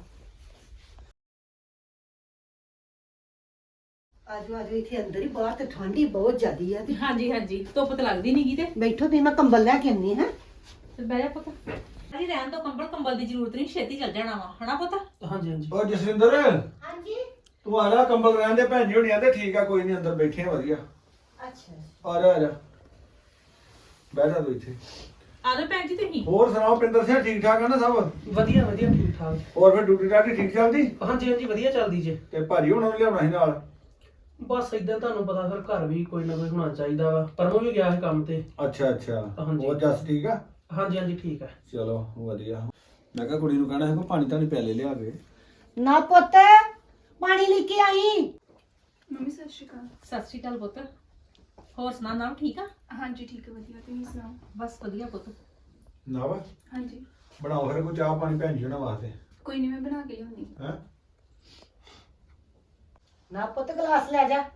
Speaker 4: ਆਜੋ ਆਜੋ, ਇੱਥੇ ਅੰਦਰ ਹੀ, ਬਾਹਰ ਤੇ ਠੰਡੀ ਬਹੁਤ ਜ਼ਿਆਦੀ ਆ। ਤੇ
Speaker 5: ਹਾਂਜੀ ਹਾਂਜੀ ਧੁੱਪ ਤੇ ਲੱਗਦੀ ਨਹੀਂਗੀ ਤੇ
Speaker 4: ਬੈਠੋ ਤੇ ਮੈਂ ਕੰਬਲ ਲੈ ਕੇ ਆਨੀ ਹੈ।
Speaker 5: ਤੇ ਬਹਿ ਜਾ ਪੁੱਤ। ਅਜੀ ਰਹਿਣ ਤੋਂ ਕੰਬਲ ਕੰਬਲ ਦੀ ਜ਼ਰੂਰਤ ਨਹੀਂ, ਛੇਤੀ ਚੱਲ ਜਾਣਾ ਵਾ ਹਨਾ ਪੁੱਤ।
Speaker 2: ਹਾਂਜੀ ਹਾਂਜੀ
Speaker 1: ਉਹ ਜਸਵਿੰਦਰ,
Speaker 4: ਹਾਂਜੀ।
Speaker 1: ਤੂੰ ਆ ਜਾ, ਕੰਬਲ ਰਹਿਣ ਦੇ, ਭੈਣ ਜੀ ਹੋਣੀ ਆਂਦੇ ਠੀਕ ਆ, ਕੋਈ ਨਹੀਂ, ਅੰਦਰ ਬੈਠੇ ਆ ਵਧੀਆ।
Speaker 4: ਅੱਛਾ
Speaker 1: ਆ ਜਾ ਆ ਜਾ, ਬਹਿ ਜਾ ਤੂੰ ਇੱਥੇ।
Speaker 5: ਆ ਜਾਓ ਭੈਣ ਜੀ ਤੁਸੀਂ।
Speaker 1: ਹੋਰ ਸੁਣਾਓ ਪਿੰਦਰ ਸਿੰਘ, ਠੀਕ ਠਾਕ ਆ ਨਾ ਸਭ?
Speaker 2: ਵਧੀਆ ਵਧੀਆ ਠੀਕ ਠਾਕ।
Speaker 1: ਹੋਰ ਫਿਰ ਡਿਊਟੀ ਡਾਟੀ ਠੀਕ ਚੱਲਦੀ?
Speaker 2: ਹਾਂਜੀ ਹਾਂਜੀ ਵਧੀਆ ਚੱਲਦੀ ਜੇ।
Speaker 1: ਤੇ ਭਾਜੀ ਹੁਣਾਂ ਨੂੰ ਲਿਆਉਣਾ ਸੀ ਨਾਲ?
Speaker 2: ਬਸ ਇਦਾਂ ਤੁਹਾਨੂੰ ਪਤਾ ਫਿਰ ਘਰ ਵੀ ਕੋਈ ਨਾ ਕੋਈ ਹੋਣਾ ਚਾਹੀਦਾ ਵਾ। ਪਰਮੋ ਵੀ ਗਿਆ ਸੀ ਕੰਮ ਤੇ।
Speaker 1: ਅੱਛਾ ਅੱਛਾ,
Speaker 2: ਹਾਂਜੀ।
Speaker 1: ਹੋਰ ਜੱਸ ਠੀਕ ਆ?
Speaker 2: ਹਾਂਜੀ ਹਾਂਜੀ ਠੀਕ ਹੈ।
Speaker 1: ਚਲੋ ਵਧੀਆ। ਮੈਂ ਕਿਹਾ ਕੁੜੀ ਨੂੰ ਕਹਿਣਾ ਹੈ, ਪਾਣੀ ਤਾਂ ਨਹੀਂ ਪਿਆਲੇ ਲਿਆ ਕੇ।
Speaker 4: ਨਾ ਪੁੱਤ, ਪਾਣੀ ਲੈ ਕੇ ਆਈ।
Speaker 3: ਮੰਮੀ ਸਤਿ ਸ਼੍ਰੀ ਅਕਾਲ।
Speaker 5: ਸਤਿ ਸ਼੍ਰੀ ਅਕਾਲ ਪੁੱਤ। ਹੋਰ ਸੁਣਾ ਨਾਮ ਠੀਕ ਆ?
Speaker 3: ਹਾਂਜੀ ਠੀਕ ਹੈ, ਵਧੀਆ, ਤੁਸੀਂ ਸੁਣਾਓ?
Speaker 5: ਬਸ ਵਧੀਆ ਪੁੱਤ।
Speaker 1: ਨਾ ਵਾ
Speaker 3: ਹਾਂਜੀ
Speaker 1: ਬਣਾਓ ਫਿਰ ਕੋਈ ਚਾਹ ਪਾਣੀ ਭੈਣ ਜੀ ਹੋਣਾ ਵਾਸਤੇ।
Speaker 3: ਕੋਈ ਨਹੀਂ, ਮੈਂ ਬਣਾ ਕੇ ਲਿਆਉਣੀ।
Speaker 1: ਹੈ
Speaker 4: ਨਾ ਪੁੱਤ, ਗਲਾਸ ਲੈ ਜਾ।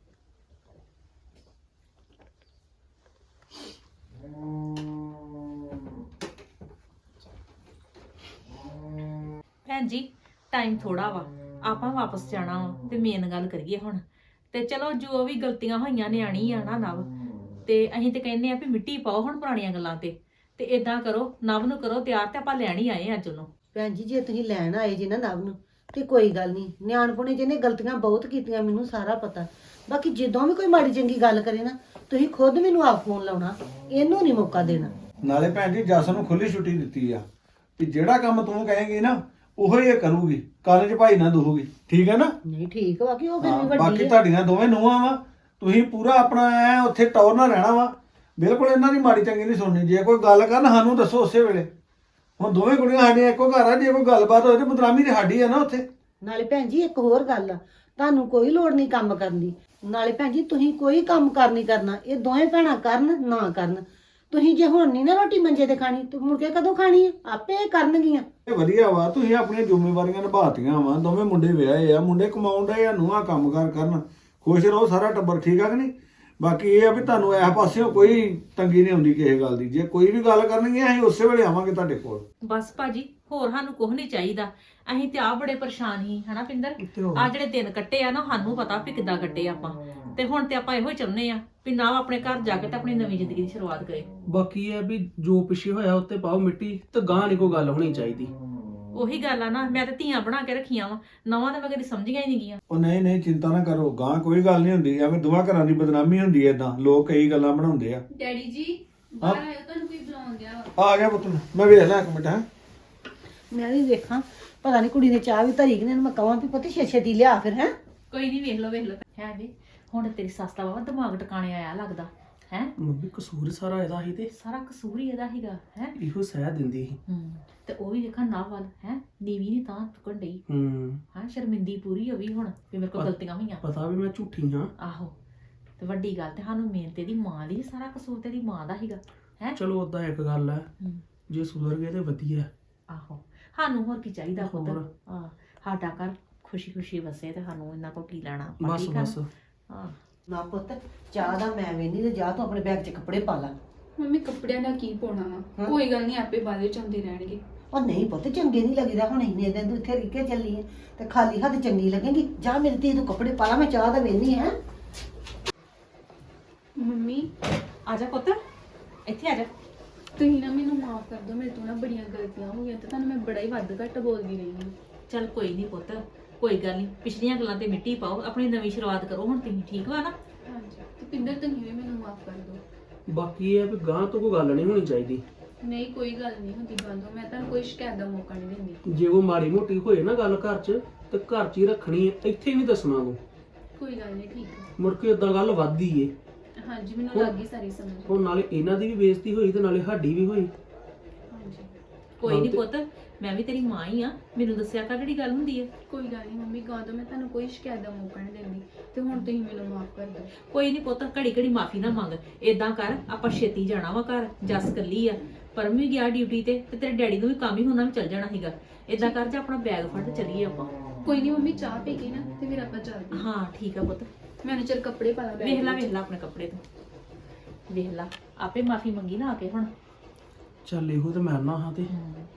Speaker 5: ਭੈਣ ਜੀ ਟਾਈਮ ਥੋੜਾ ਵਾ, ਆਪਾਂ ਵਾਪਸ ਜਾਣਾ ਵਾ ਤੇ ਮੇਨ ਗੱਲ ਕਰੀਏ ਹੁਣ। ਤੇ ਚਲੋ ਜੋ ਵੀ ਗਲਤੀਆਂ ਹੋਈਆਂ ਨਿਆਣੀ ਆ ਨਾ ਨਵ, ਤੇ ਅਸੀਂ ਤੇ ਕਹਿੰਦੇ ਆ ਵੀ ਮਿੱਟੀ ਪਾਓ ਹੁਣ ਪੁਰਾਣੀਆਂ ਗੱਲਾਂ ਤੇ। ਤੇ ਇਦਾਂ ਕਰੋ, ਨਵ ਨੂੰ ਕਰੋ ਤਿਆਰ, ਤੇ ਆਪਾਂ ਲੈਣ ਹੀ ਆਏ ਅੱਜ ਉਹਨੂੰ।
Speaker 4: ਭੈਣ ਜੀ ਜੇ ਤੁਸੀਂ ਲੈਣ ਆਏ ਜੀ ਨਾ ਨਵ ਨੂੰ, ਤੇ ਕੋਈ ਗੱਲ ਨਹੀਂ, ਨਿਆਣਪੁਣੇ ਜਿਹਨੇ ਗਲਤੀਆਂ ਬਹੁਤ ਕੀਤੀਆਂ, ਮੈਨੂੰ ਸਾਰਾ ਪਤਾ। ਬਾਕੀ ਜਦੋਂ ਵੀ ਕੋਈ ਮਾੜੀ ਚੰਗੀ ਗੱਲ ਕਰੇ ਨਾ, ਤੁਸੀਂ ਖੁਦ ਮੈਨੂੰ ਆਪ ਫੋਨ ਲਾਉਣਾ, ਇਹਨੂੰ ਨਹੀਂ ਮੌਕਾ ਦੇਣਾ।
Speaker 1: ਨਾਲੇ ਭੈਣ ਜੀ ਜੱਸ ਨੂੰ ਖੁੱਲੀ ਛੁੱਟੀ ਦਿੱਤੀ ਆ ਵੀ ਜਿਹੜਾ ਕੰਮ ਤੂੰ ਕਹੇਂਗੀ ਨਾ ਉਹੋ ਹੀ ਇਹ ਕਰੂਗੀ, ਕਾਲਜ ਭਾਈ ਨਾ ਦੂਹੂਗੀ, ਠੀਕ ਹੈ ਨਾ?
Speaker 4: ਨਹੀਂ ਠੀਕ ਵਾ ਕਿ ਉਹ ਫਿਰ
Speaker 1: ਹਾਂ,
Speaker 4: ਵੀ ਵੱਡੀ
Speaker 1: ਬਾਕੀ
Speaker 4: ਹੈ।
Speaker 1: ਤੁਹਾਡੀਆਂ ਦੋਵੇਂ ਨੂੰਹਾਂ ਵਾ, ਤੁਸੀਂ ਪੂਰਾ ਆਪਣਾ ਐ ਉੱਥੇ ਟੌਰ ਨਾਲ ਰਹਿਣਾ ਵਾ, ਬਿਲਕੁਲ ਇਹਨਾਂ ਦੀ ਮਾੜੀ ਚੰਗੀ ਨਹੀਂ ਸੁਣਨੀ। ਜੇ ਕੋਈ ਗੱਲ ਕਰਨ ਸਾਨੂੰ ਦੱਸੋ ਉਸੇ ਵੇਲੇ। ਹੁਣ ਦੋਵੇਂ ਕੁੜੀਆਂ ਸਾਡੀਆਂ ਇੱਕੋ ਘਰ ਆ, ਜੇ ਕੋਈ ਗੱਲਬਾਤ ਹੋਏ ਤੇ ਬਦਨਾਮੀ ਤੇ ਸਾਡੀ ਆ ਨਾ ਉੱਥੇ।
Speaker 4: ਨਾਲੇ ਭੈਣ ਜੀ ਇੱਕ ਹੋਰ ਗੱਲ ਆ, ਤੁਹਾਨੂੰ ਕੋਈ ਲੋੜ ਨਹੀਂ ਕੰਮ ਕਰਨ ਦੀ। ਨਾਲੇ ਭੈਣ ਜੀ ਤੁਸੀਂ ਕੋਈ ਕੰਮ ਕਰ ਨਹੀਂ ਕਰਨਾ, ਇਹ ਦੋਵੇਂ ਭੈਣਾਂ ਕਰਨ ਨਾ ਕਰਨ। ਤੁਸੀਂ ਜੇ ਹੁਣ ਨਹੀਂ ਨਾ ਰੋਟੀ ਮੰਜੇ ਤੇ ਖਾਣੀ, ਤੇ ਮੁੜ ਕੇ ਕਦੋਂ ਖਾਣੀ ਹੈ? ਆਪੇ ਕਰਨਗੀਆਂ।
Speaker 1: ਇਹ ਵਧੀਆ ਵਾ, ਤੁਸੀਂ ਆਪਣੀਆਂ ਜ਼ਿੰਮੇਵਾਰੀਆਂ ਨਿਭਾਤੀਆਂ ਵਾ। ਦੋਵੇਂ ਮੁੰਡੇ ਵਿਆਹੇ ਆ, ਮੁੰਡੇ ਕਮਾਉਣ ਡਏ ਆ, ਨੂੰਹਾਂ ਕੰਮ ਕਾਰ ਕਰਨ, ਖੁਸ਼ ਰਹੋ ਸਾਰਾ ਟੱਬਰ, ਠੀਕ ਆ ਕਿ ਨਹੀਂ? ਬਾਕੀ ਇਹ ਆ ਵੀ ਤੁਹਾਨੂੰ ਇਸ ਪਾਸਿਓਂ ਕੋਈ ਤੰਗੀ ਨਹੀਂ ਆਉਂਦੀ ਕਿਸੇ ਗੱਲ ਦੀ। ਜੇ ਕੋਈ ਵੀ ਗੱਲ ਕਰਨਗੇ ਅਸੀਂ ਉਸੇ ਵੇਲੇ ਆਵਾਂਗੇ ਤੁਹਾਡੇ ਕੋਲ।
Speaker 5: ਬਸ ਭਾਜੀ ਹੋਰ ਸਾਨੂੰ ਕੁਝ ਨਹੀਂ ਚਾਹੀਦਾ। ਅਸੀਂ ਤੇ ਆ ਬੜੇ ਪਰੇਸ਼ਾਨ ਸੀ ਹਨਾ ਪਿੰਦਰ। ਆ ਜਿਹੜੇ ਦਿਨ ਕੱਟੇ ਆ ਨਾ, ਸਾਨੂੰ ਪਤਾ ਵੀ ਕਿੱਦਾਂ ਕੱਟੇ ਆਪਾਂ। ਤੇ ਹੁਣ ਤੇ ਆਪਾਂ ਇਹੋ ਹੀ ਚਾਹੁੰਦੇ ਆ ਵੀ ਨਾ ਆਪਣੇ ਘਰ ਜਾ ਕੇ ਤੇ ਆਪਣੀ ਨਵੀਂ ਜ਼ਿੰਦਗੀ ਦੀ ਸ਼ੁਰੂਆਤ ਕਰੇ।
Speaker 2: ਬਾਕੀ ਇਹ ਵੀ ਜੋ ਪਿੱਛੇ ਹੋਇਆ ਉੱਤੇ ਪਾਓ ਮਿੱਟੀ, ਤੇ ਗਾਂ ਨਹੀਂ ਕੋਈ ਗੱਲ ਹੋਣੀ ਚਾਹੀਦੀ।
Speaker 5: ਉਹੀ ਗੱਲ ਆ ਨਾ, ਮੈਂ ਤੇ ਧੀਆਂ ਬਣਾ ਕੇ ਰੱਖੀਆਂ ਵਾ, ਨਵਾਂ ਤਾਂ ਮੈਂ ਕਦੀ ਸਮਝੀਆਂ ਹੀ ਨਹੀਂ ਗੀਆਂ।
Speaker 1: ਉਹ ਨਹੀਂ ਨਹੀਂ, ਚਿੰਤਾ ਨਾ ਕਰੋ, ਗਾਂ ਕੋਈ ਗੱਲ ਨਹੀਂ ਹੁੰਦੀ। ਐਵੇਂ ਦੋਵਾਂ ਘਰਾਂ ਦੀ ਬਦਨਾਮੀ ਹੁੰਦੀ ਐ, ਇਦਾਂ ਲੋਕ ਕਈ ਗੱਲਾਂ ਬਣਾਉਂਦੇ ਆ।
Speaker 3: ਡੈਡੀ ਜੀ ਬਾਹਰ ਆਇਓ, ਤੁਹਾਨੂੰ ਕੋਈ ਬੁਲਾਉਣ ਗਿਆ ਵਾ।
Speaker 1: ਆ ਗਿਆ ਪੁੱਤ, ਮੈਂ ਵੇਖ ਲਾਂ ਇੱਕ ਮਿੰਟ। ਹੈ
Speaker 4: ਮੈਂ ਵੀ ਵੇਖਾਂ, ਪਤਾ ਨਹੀਂ ਕੁੜੀ ਨੇ ਚਾਹ ਵੀ ਧਰੀ ਕਿ ਨਹੀਂ। ਮੈਂ ਕਹਾਂ ਵੀ ਪੁੱਤ ਛੇ ਛੇਤੀ ਲਿਆ ਫਿਰ। ਹੈ
Speaker 5: ਕੋਈ ਨਹੀਂ, ਵੇਖ ਲਓ ਵੇਖ ਲਓ। ਹੈ ਜੀ ਹੁਣ ਤੇਰੀ ਸੱਸ ਦਾ ਵਾ ਦਿਮਾਗ ਟਿਕਾਣੇ ਆਇਆ ਲੱਗਦਾ ਹੈ।
Speaker 2: ਮੰਮੀ ਕਸੂਰ ਸਾਰਾ ਇਹਦਾ ਹੀ, ਤੇ
Speaker 5: ਸਾਰਾ ਕਸੂਰ ਹੀ ਇਹਦਾ ਹੀਗਾ ਹੈ।
Speaker 2: ਇਹੋ ਸਹਿ ਦਿੰਦੀ ਸੀ।
Speaker 5: ਹੂੰ ਤੇ ਉਹ ਵੀ ਦੇਖਾਂ ਨਾ ਵੱਲ ਹੈ, ਨੀਵੀਂ ਨਹੀਂ ਤਾਂ ਚੁੱਕਣ ਡਈ।
Speaker 2: ਹੂੰ
Speaker 5: ਹਾਂ ਸ਼ਰਮਿੰਦੀ ਪੂਰੀ ਹੋ ਗਈ ਹੁਣ ਵੀ ਮੇਰੇ ਕੋਲ ਗਲਤੀਆਂ ਹੋਈਆਂ।
Speaker 2: ਪਤਾ ਵੀ ਮੈਂ ਝੂਠੀ ਹਾਂ।
Speaker 5: ਆਹੋ ਤੇ ਵੱਡੀ ਗੱਲ ਤੇ ਸਾਨੂੰ ਮੇਨ ਤੇ ਦੀ ਮਾਂ ਦੀ, ਸਾਰਾ ਕਸੂਰ ਤੇਰੀ ਮਾਂ ਦਾ ਹੀਗਾ ਹੈ।
Speaker 2: ਚਲੋ ਓਦਾਂ ਇੱਕ ਗੱਲ ਹੈ,
Speaker 5: ਹੂੰ
Speaker 2: ਜੇ ਸੁਧਰ ਗਏ ਤੇ ਵਧੀਆ।
Speaker 5: ਆਹੋ ਸਾਨੂੰ ਹੋਰ ਕੀ ਚਾਹੀਦਾ ਖੁਦ।
Speaker 2: ਹੋਰ।
Speaker 5: ਹਾਂ ਸਾਡਾ ਘਰ ਖੁਸ਼ੀ ਖੁਸ਼ੀ ਵਸੇ ਤੇ ਸਾਨੂੰ ਇਹਨਾਂ ਕੋਲ ਕੀ ਲੈਣਾ ਆਪਾਂ,
Speaker 2: ਬਸ
Speaker 5: ਠੀਕ ਆ ਨਾ?
Speaker 2: ਬਸ।
Speaker 5: ਹਾਂ
Speaker 4: ਨਾ ਪੁੱਤ, ਚਾਹ ਦਾ ਮੈਂ ਵੇਨੀ ਤੇ ਜਾ ਤੂੰ ਆਪਣੇ ਬੈਗ 'ਚ ਕੱਪੜੇ ਪਾ ਲਾ।
Speaker 3: ਮੰਮੀ ਕੱਪੜਿਆਂ ਦਾ ਕੀ ਪਾਉਣਾ ਵਾ?
Speaker 4: ਹਾਂ।
Speaker 3: ਕੋਈ ਗੱਲ ਨਹੀਂ, ਆਪੇ ਬਾਅਦ ਵਿੱਚ ਆਉਂਦੇ ਰਹਿਣਗੇ।
Speaker 4: ਉਹ ਨਹੀਂ ਪੁੱਤ, ਚੰਗੇ ਨਹੀਂ ਲੱਗਦਾ। ਹੁਣ ਇੰਨੇ ਦਿਨ ਤੂੰ ਇੱਥੇ ਰਿਕੇ ਚੱਲੀ ਹੈ ਤੇ ਖਾਲੀ ਹੱਥ ਚੰਗੀ ਲੱਗੇਗੀ। ਜਾ ਮੇਰੀ ਧੀ ਤੂੰ ਕੱਪੜੇ ਪਾ ਲਾ, ਮੈਂ ਚਾਹ ਦਾ ਵੇਨੀ ਹੈ।
Speaker 3: ਮੰਮੀ
Speaker 5: ਆ ਜਾ ਪੁੱਤ, ਇੱਥੇ ਆ ਜਾ।
Speaker 3: ਤੁਸੀਂ ਨਾ ਮੈਨੂੰ ਮਾਫ ਕਰ ਦਿਓ, ਮੇਰੇ ਤੋਂ ਨਾ ਬੜੀਆਂ ਗਲਤੀਆਂ ਹੋ ਗਈਆਂ ਤੇ ਤੁਹਾਨੂੰ ਮੈਂ ਬੜਾ ਹੀ ਵੱਧ ਘੱਟ ਬੋਲਦੀ ਰਹੀ ਹਾਂ।
Speaker 5: ਚੱਲ ਕੋਈ ਨਹੀਂ ਪੁੱਤ, ਕੋਈ ਗੱਲ ਨਹੀਂ, ਪਿਛਲੀਆਂ ਗੱਲਾਂ ਤੇ ਮਿੱਟੀ ਪਾਓ, ਆਪਣੀ ਨਵੀਂ ਸ਼ੁਰੂਆਤ ਕਰੋ ਹੁਣ ਤੁਸੀਂ, ਠੀਕ ਵਾ ਨਾ?
Speaker 3: ਹਾਂਜੀ ਤੇ ਪਿੰਦਰ ਤੁਸੀਂ ਵੀ ਮੈਨੂੰ ਮਾਫ ਕਰ ਦਿਓ।
Speaker 2: ਬਾਕੀ ਇਹ ਆ ਵੀ ਗਾਂ ਤੋਂ ਕੋਈ ਗੱਲ ਨਹੀਂ ਹੋਣੀ ਚਾਹੀਦੀ।
Speaker 3: ਨਹੀਂ ਕੋਈ ਗੱਲ ਨਹੀਂ ਹੁੰਦੀ ਬੰਦੋ, ਮੈਂ ਤੁਹਾਨੂੰ ਕੋਈ ਸ਼ਿਕਾਇਤ ਦਾ ਮੌਕਾ ਨਹੀਂ ਦਿੰਦੀ।
Speaker 2: ਜੇ ਉਹ ਮਾੜੀ ਮੋਟੀ ਹੋਏ ਨਾ ਗੱਲ ਘਰ 'ਚ ਤੇ ਘਰ 'ਚ ਹੀ ਰੱਖਣੀ ਹੈ, ਇੱਥੇ ਨਹੀਂ ਦੱਸਣਾ ਤੂੰ।
Speaker 3: ਕੋਈ ਗੱਲ ਨਹੀਂ, ਠੀਕ ਹੈ।
Speaker 2: ਮੁੜ ਕੇ ਇਦਾਂ ਗੱਲ ਵੱਧਦੀ ਏ।
Speaker 3: ਹਾਂਜੀ ਮੈਨੂੰ ਲੱਗ ਗਈ ਸਾਰੀ ਸਮਝ।
Speaker 2: ਹੁਣ ਨਾਲੇ ਇਹਨਾਂ ਦੀ ਵੀ ਬੇਇੱਜ਼ਤੀ ਹੋਈ ਤੇ ਨਾਲੇ ਸਾਡੀ ਵੀ ਹੋਈ।
Speaker 3: ਹਾਂਜੀ
Speaker 5: ਕੋਈ ਨਹੀਂ ਪੁੱਤ, ਮੈਂ ਵੀ ਤੇਰੀ ਮਾਂ ਹੀ ਆ, ਮੈਨੂੰ ਦੱਸਿਆ ਕਰ ਜਿਹੜੀ ਗੱਲ ਹੁੰਦੀ ਹੈ।
Speaker 3: ਕੋਈ ਗੱਲ ਨਹੀਂ ਮੰਮੀ, ਗਾਂ ਤੋਂ ਮੈਂ ਤੁਹਾਨੂੰ ਕੋਈ ਸ਼ਿਕਾਇਤ ਦਾ ਮੌਕਾ ਨਹੀਂ ਦਿੰਦੀ ਤੇ ਹੁਣ ਤੁਸੀਂ ਮੈਨੂੰ ਮਾਫ ਕਰ ਦਿਓ।
Speaker 5: ਕੋਈ ਨਹੀਂ ਪੁੱਤ, ਘੜੀ ਘੜੀ ਮਾਫੀ ਨਾ ਮੰਗ। ਏਦਾਂ ਕਰ, ਆਪਾਂ ਛੇਤੀ ਜਾਣਾ ਵਾ ਘਰ, ਜੱਸ ਕੱਲੀ ਆ, ਪਰਮ ਵੀ ਗਿਆ ਡਿਊਟੀ ਤੇ ਤੇ ਤੇਰੇ ਡੈਡੀ ਨੂੰ ਵੀ ਕੰਮ ਹੀ ਹੋਣਾ, ਵੀ ਚੱਲ ਜਾਣਾ ਸੀਗਾ। ਏਦਾਂ ਕਰ, ਜੇ ਆਪਣਾ ਬੈਗ ਫੜ ਚੱਲੀਏ ਆਪਾਂ।
Speaker 3: ਕੋਈ ਨਹੀਂ ਮੰਮੀ, ਚਾਹ ਪੀ ਕੇ ਨਾ ਤੇ ਫਿਰ ਆਪਾਂ ਚੱਲਦੇ।
Speaker 5: ਹਾਂ ਠੀਕ ਆ ਪੁੱਤ,
Speaker 3: ਮੈਨੂੰ ਚਿਰ ਕੱਪੜੇ ਪਾ ਲਾ ਬੈਗ
Speaker 5: ਵੇਖ ਲੈ
Speaker 3: ਵਿੱਚ।
Speaker 5: ਵੇਖ ਲੈ ਆਪਣੇ ਕੱਪੜੇ ਤੋਂ, ਵੇਖ ਲੈ ਆਪੇ ਮਾਫੀ ਮੰਗੀ ਨਾ ਆ ਕੇ ਹੁਣ।
Speaker 2: ਚੱਲ ਇਹੋ ਤੇ ਮੈਂ ਨਾ ਹਾਂ ਤੇ
Speaker 5: ਹਮ,